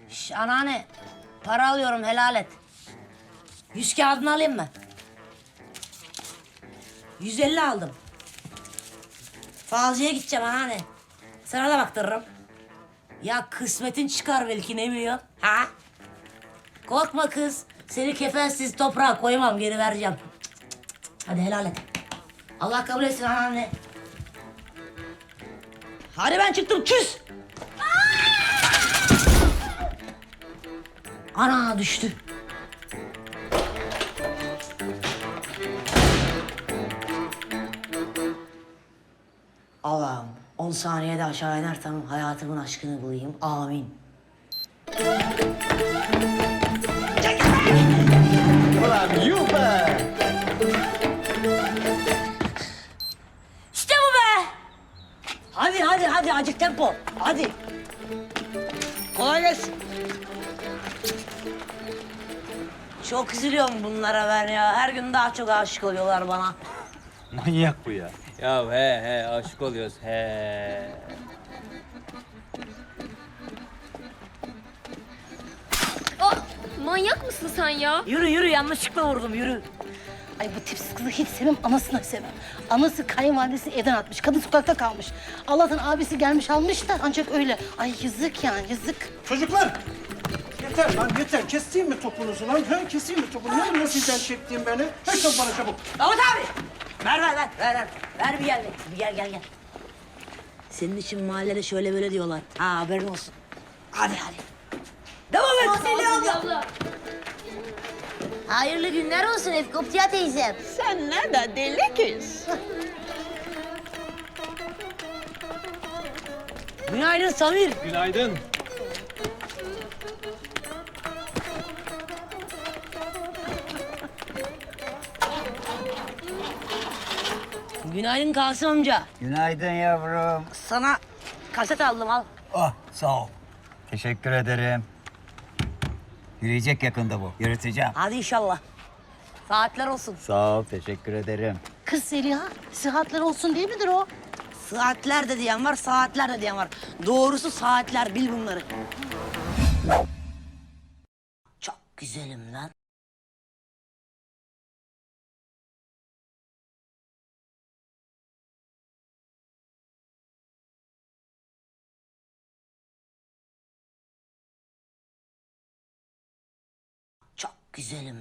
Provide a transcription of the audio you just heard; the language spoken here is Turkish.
Şş, anneanne, para alıyorum, helal et. 100 kağıdını alayım mı? 150 aldım. Falcıya gideceğim anneanne. Sana da baktırırım. Ya kısmetin çıkar belki, ne biliyorsun? Ha? Korkma kız. Seni kefensiz toprağa koymam, geri vereceğim. Hadi helal et. Allah kabul etsin anneanne. Hadi ben çıktım, küs. Ana düştü. Allah'ım 10 saniyede aşağı inersem hayatımın aşkını bulayım. Amin. Ulan yuh be! İşte bu be! Hadi acık tempo. Hadi. Kolay gelsin. Çok üzülüyorum bunlara ben ya. Her gün daha çok aşık oluyorlar bana. Manyak bu ya. Ya he aşık oluyoruz he. Aa, manyak mısın sen ya? Yürü yanlışlıkla vurdum yürü. Ay bu tipsiz kızı hiç sevmem, anasını sevmem. Anası kayınvalidesi evden atmış, kadın sokakta kalmış. Allah'tan abisi gelmiş almış da ancak öyle. Ay yazık yani, yazık. Çocuklar! Yeter lan yeter. Keseyim mi topunuzu lan? Ha, keseyim mi topunuzu? Ne biliyor sizden çektiğim beni? Ver çabuk bana çabuk. Davut abi! Ver. Ver bir gel. Senin için mahallede şöyle böyle diyorlar. Ha haberin olsun. Hadi. Devam et. Abla. Hayırlı günler olsun Efkoptiya teyzem. Sen ne de deli kız. Günaydın Samir. Günaydın. Günaydın Kasım amca. Günaydın yavrum. Sana kaset aldım al. Ah sağ ol. Teşekkür ederim. Yürüyecek yakında bu. Yürüteceğim. Hadi inşallah. Saatler olsun. Sağ ol, teşekkür ederim. Kız Zeliha, sıhhatler olsun değil midir o? Saatler de diyen var, saatler de diyen var. Doğrusu saatler, bil bunları. Çok güzelim lan. Çok güzelim.